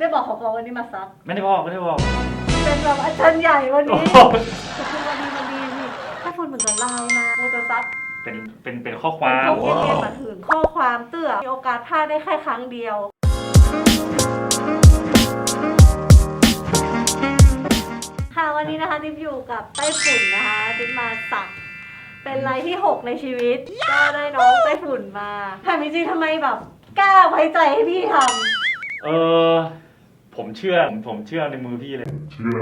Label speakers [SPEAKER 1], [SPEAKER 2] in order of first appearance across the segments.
[SPEAKER 1] ได้บอกเขาบอกวันนี้มาซัก
[SPEAKER 2] ไม่ได้บอก
[SPEAKER 1] เป็นแบบอาจารย์ใหญ่วันนี้คือวันดีนี่ถ้าคุณเหมือนกับไลน์มาโมจะซัก
[SPEAKER 2] เป็นข้อความ
[SPEAKER 1] เขาเรียกมาถึงข้อความเตื้อมีโอกาสพลาดได้แค่ครั้งเดียวค่ะวันนี้นะคะติ๊บอยู่กับไต้ฝุ่นนะคะติ๊บมาสักเป็นรายที่6ในชีวิตก็ได้น้องไต้ฝุ่นมาถามจริงๆทำไมแบบกล้าไว้ใจให้พี่ท
[SPEAKER 2] ำผมเชื่อในมือพี่เลย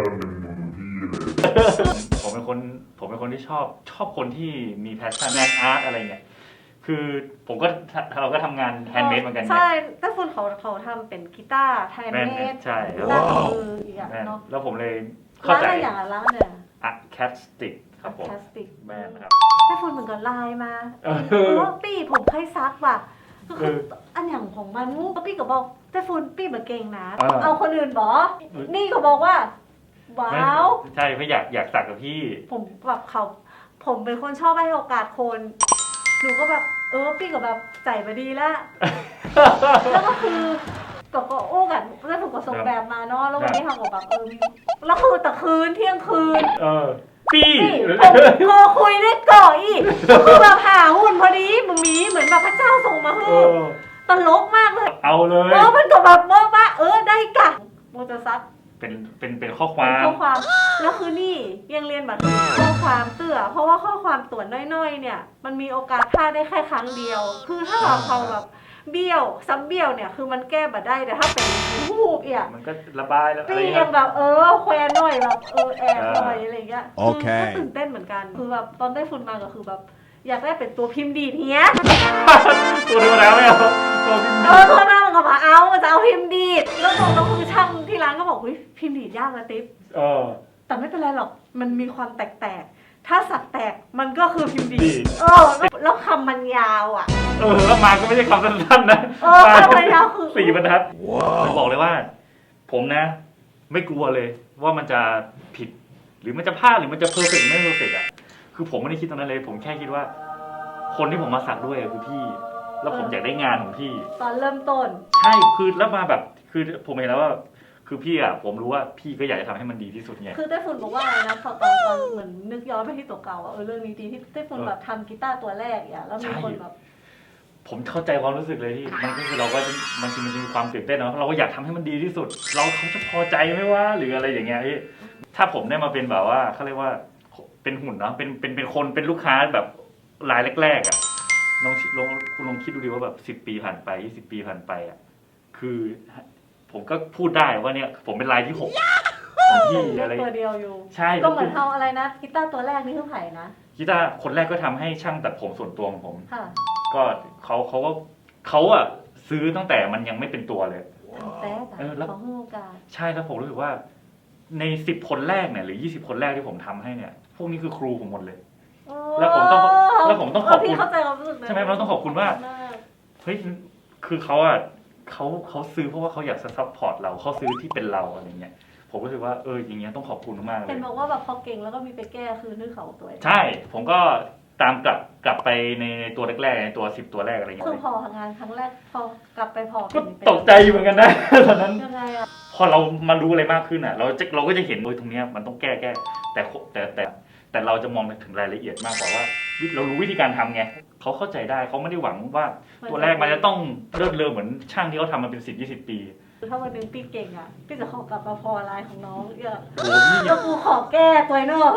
[SPEAKER 2] ผมเป็นคนที่ชอบคนที่มีแพชชั่นงานอาร์ตอะไรเงี้ยคือเราก็ทำงานแฮนด์เมดเหมือนกัน
[SPEAKER 1] ใช่ไต้ฝุ่นเขาทำเป็นกีตาร์แฮนด์เมด
[SPEAKER 2] ใช่
[SPEAKER 1] แล้วมืออีกอย่างเนาะ
[SPEAKER 2] แล้วผมเลยเข้าใจ
[SPEAKER 1] ร้านเนี่ย
[SPEAKER 2] แคสติกครับผมแม่นะครับ
[SPEAKER 1] ไต้ฝุ่นเหมือนกับไลน์มาปี้ผมเคยซักว่ะก็คืออันอย่างของมันปี้ก็บอกไต้ฝุ่นปี้แบบเก่งนะเอาคนอื่นบอกนี่ก็บอกว่าว้าว
[SPEAKER 2] ใช่เพราะอยากสักกับพี่
[SPEAKER 1] ผมแบบผมเป็นคนชอบให้โอกาสคนหนูก็แบบปี้ก็แบบใจมาดีแล้วแล้วก็คือก็โอ้กันแล้วผมก็ส่งแบบมาเนาะแล้ววันนี้ทำกับแบบแล้วคือแต่คืนเที่ยงคืน
[SPEAKER 2] ปี้
[SPEAKER 1] โทรคุยได้ก่ออีกคือแบบหาหุ่นพอดีมึงมีเหมือนแบบพระเจ้าส่งมาให้ตลกมากเลย
[SPEAKER 2] เอาเลย
[SPEAKER 1] มันก็แบบว่าได้กะโมจะซัก
[SPEAKER 2] เป็นข้อความ
[SPEAKER 1] แล้วคือนี่ยังเรียนแบบข้อความเตื้อเพราะว่าข้อความตัวน้อยๆเนี่ยมันมีโอกาสพลาดได้แค่ครั้งเดียวคือถ้าเราแบบเบี้ยวซ้ำเบี้ยวเนี่ยคือมันแก้บัดได้แต่ถ้าเป็นหูบอ่ะ
[SPEAKER 2] มันก็ระบายแล้ว
[SPEAKER 1] พี่ยังแบบแควหน่อยแบบแอบหน่อยอะไรเงี้ยคือก็ตื่นเต้นเหมือนกันคือแบบตอนได้ฝุ่นมาก็คือแบบอยากได้เป็นตัวพิมพ์ดีเนี้ย
[SPEAKER 2] ตัวธรรมดาไม่เอาตัวพิมพ์ดี
[SPEAKER 1] ตัวหน้ามันก็มามันจะเอาพิมพ์ดีแล้วก็คือช่างที่ร้านก็บอกพิมพ์ดียากนะติ๊บแต่ไม่เป็นไรหรอกมันมีความแตกถ้าสักแตกมันก็คือพิมพ์ดีแล้วคำมันยาวอ่ะ
[SPEAKER 2] แล้วมาก็ไม่ใช่คำสั้นๆนะ
[SPEAKER 1] คำมันยาวคือ
[SPEAKER 2] 4 บรรทัดบอกเลยว่าผมนะไม่กลัวเลยว่ามันจะผิดหรือมันจะพลาดหรือมันจะเพอร์เฟกต์ไม่เพอร์เฟกต์อ่ะคือผมไม่ได้คิดตรงนั้นเลยผมแค่คิดว่าคนที่ผมมาสักด้วยคือพี่แล้วผมอยากได้งานของพี่
[SPEAKER 1] ตอนเริ่มต้น
[SPEAKER 2] ใช่คือแล้วมาแบบคือผมเห็นแล้วว่าคือพี่อ่ะผมรู้ว่าพี่ก็อยากจะทำให้มันดีที่สุดไง
[SPEAKER 1] คือไต้ฝุ่นบอกว่าอะไรนะตอนเหมือนนึกย้อนไปที่ตัวเก่าเรื่องนี้ดีที่ไต้ฝุ่นแบบทำกีตาร์ตัวแรกอ่ะแล้วมีคนแบบ
[SPEAKER 2] ผมเข้าใจความรู้สึกเลยที่มันก็คือเราก็มันจะมีความตื่นเต้นเนาะเราก็อยากทำให้มันดีที่สุดเขาจะพอใจไหมว่าหรืออะไรอย่างเงี้ยพี่ถ้าผมได้มาเป็นแบบว่าเขาเรียกว่าเป็นหุ่นเนาะเป็นคนเป็นลูกค้าแบบรายแรกๆอ่ะคุณลองคิดดูดิว่าแบบ10 ปีผ่านไป20 ปีผ่านไปอ่ะคือผมก็พูดได้ว่าเนี่ยผมเป็นรายที่6ของพี่อะไร
[SPEAKER 1] ตัวเดียวอยู่
[SPEAKER 2] ใช่
[SPEAKER 1] ก็เหมือนเอาอะไรนะกีตาร์ตัวแรกนี่คือไผ่นะ
[SPEAKER 2] กีตาร์คนแรกก็ทำให้ช่างตัดผมส่วนตัวของผมก็เขาอะซื้อตั้งแต่มันยังไม่เป็นตัวเลย
[SPEAKER 1] แล้วเขาให้โอกาส
[SPEAKER 2] ใช่แล้วผมรู้สึกว่าใน10 คนแรกเนี่ยหรือ20 คนแรกที่ผมทำให้เนี่ยพวกนี้คือครูผมหมดเลยแล้วผมต้องขอบคุณใช่ไหมเราต้องขอบคุณว่าเฮ้ยคือเขาซื้อเพราะว่าเขาอยากซัพพอร์ตเราเขาซื้อที่เป็นเราอะไรเงี้ยผมรู้สึกว่าอย่างเงี้ยต้องขอบคุณมากเลย
[SPEAKER 1] เห็นบอกว่าแบบพอเก่งแล้วก็มีไปแก้คือนึกเขาตัว
[SPEAKER 2] ใช่ผมก็ตามกลับไปในตัวแรกๆในตัว10 ตัวแรกอะไรเงี้ย
[SPEAKER 1] คือพองานครั้งแรกพอกลับไปพอ
[SPEAKER 2] ตกใจเหมือนกันนะตอนนั้นพอเรามารู้อะไรมากขึ้นอ่ะเราก็จะเห็นตรงเนี้ยมันต้องแก้แต่เราจะมองถึงรายละเอียดมากกว่าว่าเรารู้วิธีการทำไงเขาเข้าใจได้เขาไม่ได้หวังว่าตัวแรกมันจะต้องเลิศเลอเหมือนช่างที่เขาทำมาเป็น10-20 ปี
[SPEAKER 1] ถ้าวันนึงพี่เก่งอ่ะพี่จะขอกลับมาพอลายของน้องแล้วกูขอแก้ตัวนอก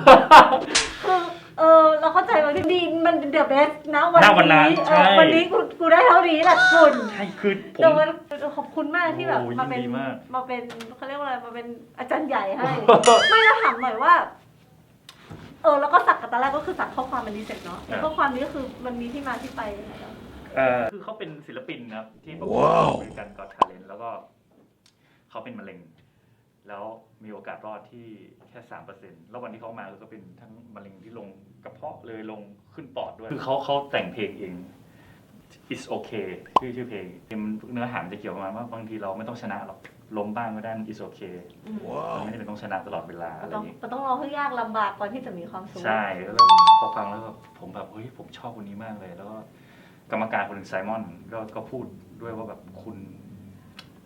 [SPEAKER 1] คือเราเข้าใจว่าที่ดีมันเดือดเบสนะวันนี้กูได้เท่านี้แหละคุณ
[SPEAKER 2] ใช่คือผม
[SPEAKER 1] ขอบคุณมากที่แบบมาเป็นเขาเรียกว่าอะไรมาเป็นอาจารย์ใหญ่ให้ไม่แล้วถามหน่อยว่าแล้วก็สักกับตอนแรกก็คือสักข้อความมันดีเสร็จเนาะข้อความนี้ก็คือมันมีที่มาที่ไปยังไง
[SPEAKER 2] คือเขาเป็นศิลปินนะครับที่ประกวดบริการก็อตทาเลนต์แล้วก็เขาเป็นมะเร็งแล้วมีโอกาสรอดที่แค่ 3% แล้ววันที่เขามาก็เป็นทั้งมะเร็งที่ลงกระเพาะเลยลงขึ้นปอดด้วยคือเขาแต่งเพลงเอง It's okay ชื่อเพลงเนื้อหาจะเกี่ยวกับว่าบางทีเราไม่ต้องชนะหรอกล้มบ้างก็ได้ It's okay มันไม่ได้เป็นต้องชนะตลอดเวลาอะไรอย่างนี้
[SPEAKER 1] มันต้องรอให้ยากลำบากก่อนที่จะมีความสุข
[SPEAKER 2] ใช่แล้วพอฟังแล้วผมแบบเฮ้ยผมชอบคนนี้มากเลยแล้วก็กรรมการคนหนึ่งไซมอนก็พูดด้วยว่าแบบคุณ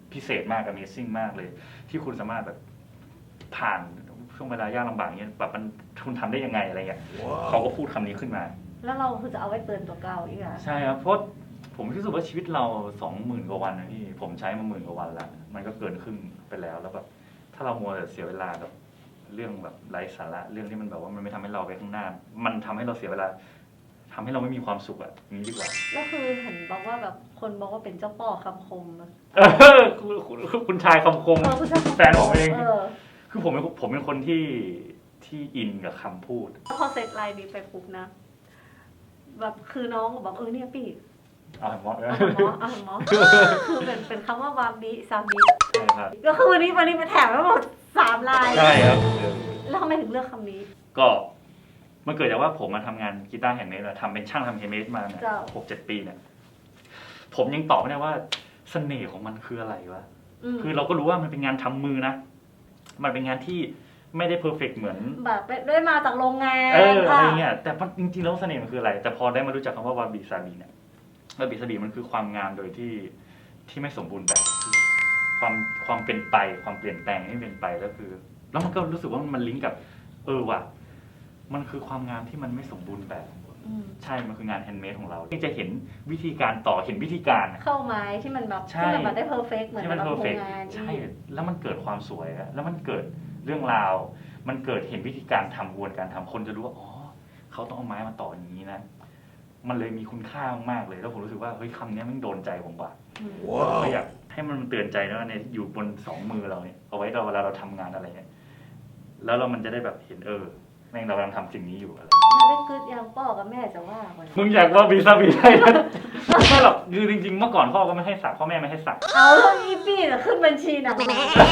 [SPEAKER 2] พิเศษมาก Amazing มากเลย ที่คุณสามารถแบบผ่านช่วงเวลายากลำบากเงี้ยแบบมันคุณทำได้ยังไงอะไรเงี้ยเขาก็พูดคำนี้ขึ้นมา
[SPEAKER 1] แล้วเราคือจะเอาไว้เตือนตัวเก่าอีกอ่ะ
[SPEAKER 2] ใช่ครับเพราะผมรู้สึกว่าชีวิตเรา 20,000 กว่าวันนะพี่ผมใช้มา10,000 กว่าวันแล้วมันก็เกินครึ่งไปแล้วแล้วแบบถ้าเรามัวแต่เสียเวลากับเรื่องแบบไร้สาระเรื่องที่มันแบบว่ามันไม่ทำให้เราไปข้างหน้า มันทำให้เราเสียเวลาทำให้เราไม่มีความสุขอ่ะอย่างนี้ดีกว่า
[SPEAKER 1] แล้วคือเห็นบอกว่าแบบคนบอกว่าเป็นเจ้าพ่อคำคมอะ
[SPEAKER 2] คุณชายคำคม
[SPEAKER 1] คุณชายคำคม
[SPEAKER 2] แฟนผมเอง
[SPEAKER 1] เออ
[SPEAKER 2] คือผมเป็นคนที่อินกับคำพูด
[SPEAKER 1] พอเสร็จไลน์นี้ไปปุ๊บนะ แบบคือน้องก็บอกเนี่ยพี่
[SPEAKER 2] เอาหมอ
[SPEAKER 1] เอาหมอคือเป็นคำว่าวาบิซาบิ
[SPEAKER 2] ใช่ครับ
[SPEAKER 1] ก็คือวันนี้ไปแถมแล้วหมด3 ลาย
[SPEAKER 2] ใช่ครับ
[SPEAKER 1] แล้วทำไมถึงเลือกคำนี้
[SPEAKER 2] ก็มันเกิดจากว่าผมมาทำงานกีตาร์แฮนด์เมดทำเป็นช่างทำแฮนด์เมดมาเนี่ย
[SPEAKER 1] เจ้า
[SPEAKER 2] 6-7 ปีเนี่ยผมยังตอบไม่ได้ว่าเสน่ห์ของมันคืออะไรวะ คือเราก็รู้ว่ามันเป็นงานทำมือนะ มันเป็นงานที่ไม่ได้เพอร์เฟกต์เหมือน
[SPEAKER 1] แบบได้มาจากโรงงาน
[SPEAKER 2] อะไรเงี้ย แต่จริงๆแล้วเสน่ห์มันคืออะไร แต่พอได้มารู้จักคำว่าวาบิซาบิเนี่ยวาบิซาบิมันคือความงามโดยที่ไม่สมบูรณ์แบบความเป็นไปความเปลี่ยนแปลงที่เป็นไปก็คือ แล้วมันก็รู้สึกว่ามันลิงก์กับว่ะมันคือความงามที่มันไม่สมบูรณ์แบบ ใช่ มันคืองานแฮนด์เมดของเราที่จะเห็นวิธีการต่อเห็นวิธีการ
[SPEAKER 1] เข้าไม้ที่มันแบบ
[SPEAKER 2] ใช่
[SPEAKER 1] ที่มันแบบได้เพอร์เฟกต์เหมือน
[SPEAKER 2] ที่มัน
[SPEAKER 1] กับ
[SPEAKER 2] เพอร์เฟ
[SPEAKER 1] โร
[SPEAKER 2] ก
[SPEAKER 1] งงาน
[SPEAKER 2] ใช่ แล้วมันเกิดความสวยแล้วมันเกิดเรื่องราว มันเกิดเห็นวิธีการทำกระบวนการทำคนจะรู้ว่าอ๋อเขาต้องเอาไม้มาต่ออย่างนี้นะ มันเลยมีคุณค่ามากๆเลยแล้วผมรู้สึกว่าเฮ้ยคำนี้มันโดนใจผมว่ะก็อยากให้มันเตือนใจนะว่าในอยู่บน2 มือเราเนี่ยเอาไว้เวลาเราทำงานอะไรเนี่ยแล้วมันจะได้แบบเห็นแม่งเรากำลังทำสิ่งนี้อยู่อะไร
[SPEAKER 1] เล่นกึศยังพ่อกับแม่จะว่าวัน
[SPEAKER 2] มึงอยากว่าบีซาบีได้ไม่หรอกคือจริงๆเมื่อก่อนพ่อก็ไม่ให้สักพ่อแม่ไม่ให้สัก
[SPEAKER 1] เอาเรื่องอีปี้น่ะขึ้นบัญชีหนัง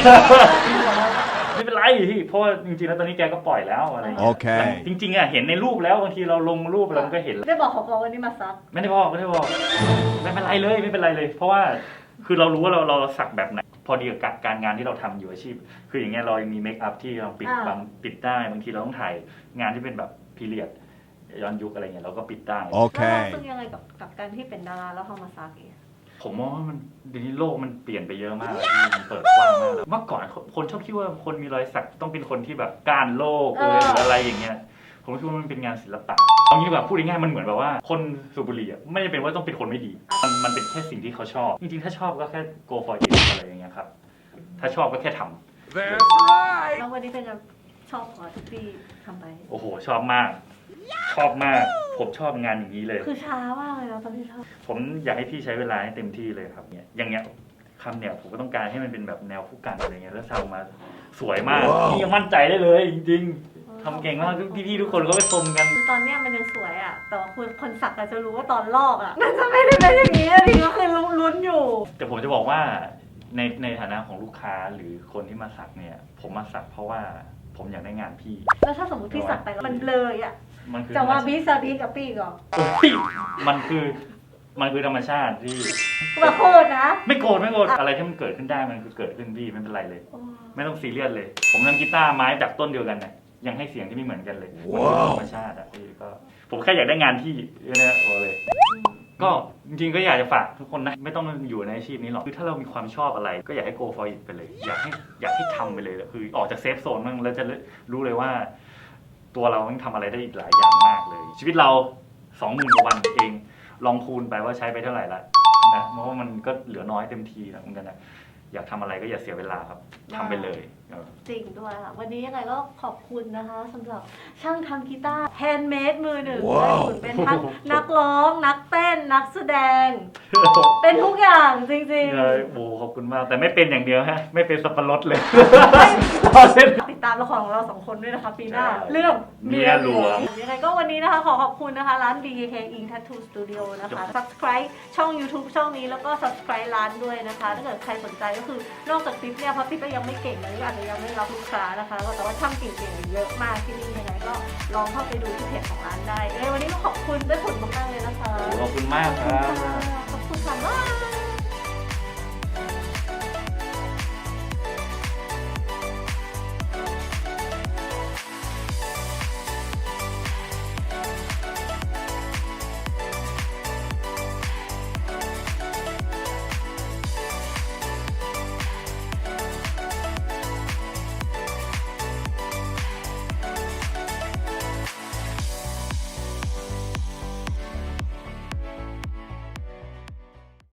[SPEAKER 2] ไม่เป็นไรพี่เพราะว่าจริงๆแล้วตอนนี้แกก็ปล่อยแล้วอะไรอย่างเงี้ย
[SPEAKER 3] โอเค
[SPEAKER 2] จริงๆอ่ะเห็นในรูปแล้วบางทีเราลงรูปเราก็เห็น
[SPEAKER 1] ได้บอกเขาบอกวันนี้มาซัก
[SPEAKER 2] ไม่ได้บอกไม่เป็นไรเลย เพราะว่าคือเรารู้ว่าเราสักแบบไหนพอดีกับการงานที่เราทำอยู่อาชีพ คืออย่างเงี้ยเรายังมีเมคอัพที่เราปิดได้บางทีเราต้องถ่ายงานที่เป็นแบบพีเรียดย้อนยุคอะไรเงี้ยเราก็ปิดได้
[SPEAKER 3] โอเค
[SPEAKER 1] แล้วเราซึ่งยังไงกับการที่เป็นดาราแล้วเขามาซักเอง
[SPEAKER 2] ผมมองว่ามันเดี๋ยวนี้โลกมันเปลี่ยนไปเยอะมากเลยพี่มันเปิดกว้างมากแล้วเมื่อก่อนคนชอบคิดว่าคนมีรอยสักต้องเป็นคนที่แบบก้านโลกหรืออะไรอย่างเงี้ยผมคิดว่ามันเป็นงานศิลปะเอางี้แบบพูดง่ายๆมันเหมือนแบบว่าคนสูบบุหรี่ไม่ได้เป็นว่าต้องเป็นคนไม่ดีมันเป็นแค่สิ่งที่เขาชอบจริงๆถ้าชอบก็แค่ go for it อะไรอย่างเงี้ยครับถ้าชอบก็แค่ทำ
[SPEAKER 3] That's right
[SPEAKER 1] แล้ววันนี้เป็นไงชอบขอทุกปีทำไป
[SPEAKER 2] โอ้โหชอบมาก ผมชอบงานอย่างนี้เลย
[SPEAKER 1] คือช้ามากเลยนะตอนที่ชอบ
[SPEAKER 2] ผมอยากให้พี่ใช้เวลาให้เต็มที่เลยครับเนี่ยอย่างเงี้ยคำเนี่ยผมก็ต้องการให้มันเป็นแบบแนวคู่กันอะไรเงี้ยแล้วทำมาสวยมากพี่ยังมั่นใจได้เลยจริงๆทำเก่งมากพี่ๆทุกคนก็ไปชมกัน
[SPEAKER 1] คือตอนเนี้ยมันยังสวยอ่ะแต่ว่าคนสักอาจจะรู้ว่าตอนลอกอ่ะมันจะไม่ได้เป็นอย่างนี้ทีก็คือลุ้นอยู่
[SPEAKER 2] แต่ผมจะบอกว่าในฐานะของลูกค้าหรือคนที่มาสักเนี่ยผมมาสักเพราะว่าผมอยากได้งานพี่
[SPEAKER 1] แล้วถ้าสมมติพี่สักไปแล้วมันเลยอ่ะ
[SPEAKER 2] มันคือ
[SPEAKER 1] จะว่าบีซาบีกับปี้ก่อน
[SPEAKER 2] มันคือธรรมชาติที่
[SPEAKER 1] มาโคตรนะ
[SPEAKER 2] ไม่โกรธอะไรที่มันเกิดขึ้นได้มันคือเกิดขึ้นพี่ไม่เป็นไรเลย ไม่ต้องซีเรียสเลย ผมทำกีตาร์ไม้จากต้นเดียวกันเนี่ยยังให้เสียงที่ไม่เหมือนกันเลยมันคือธรรมชาติอ่ะพี่ก็ผมแค่อยากได้งานพี่เนี่ยบอกเลย ก็จริงๆก็อยากจะฝากทุกคนนะไม่ต้องอยู่ในอาชีพนี้หรอกคือถ้าเรามีความชอบอะไรก็อยากให้ go for it ไปเลย อยากให้ทำไปเลยคือออกจากเซฟโซนมั่งแล้วจะรู้เลยว่า ตัวเราต้องทำอะไรได้อีกหลายอย่างมากเลย ชีวิตเรา 20,000 กว่าวันเองลองคูณไปว่าใช้ไปเท่าไหร่ละนะเพราะว่ามันก็เหลือน้อยเต็มทีแล้วเหมือนกันนะอยากทำอะไรก็อย่าเสียเวลาครับทำไปเลย
[SPEAKER 1] จริงด้วยค่ะวันนี้ยังไงก็ขอบคุณนะคะสำหรับช่างทำกีตาร์แฮนด์เมดมือหนึ่งได้ผลเป็นทั้งนักร้องนักเต้นนักแสดง เป็นทุกอย่างจริง
[SPEAKER 2] โอ้ขอบคุณมากแต่ไม่เป็นอย่างเดียวฮะไม่เป็นสับปะรดเลย
[SPEAKER 1] ๆ ติดตามละครของเรา2 คนด้วยนะคะปีหน้า เรื่อง
[SPEAKER 2] เมียหลวง
[SPEAKER 1] ยังไงก็วันนี้นะคะขอบคุณนะคะร้าน BKK Ink Tattoo Studio นะคะ subscribe ช่อง YouTube ช่องนี้แล้วก็ subscribe ร้านด้วยนะคะถ้าเกิดใครสนใจก็คือนอกจากติ๊บเนี่ยเพราะติ๊บก็ยังไม่เก่งเลยอาจจะยังไม่รับลูกค้านะคะแต่ว่าช่างเก่งๆเยอะมากที่นี่ยังไงก็ลองเข้าไปดูที่เพจของร้านได้วันนี้ก็ขอบคุณได้ผลมากๆเลยนะคะ
[SPEAKER 2] ขอบคุณมากครับ
[SPEAKER 1] ขอบคุณค่ะ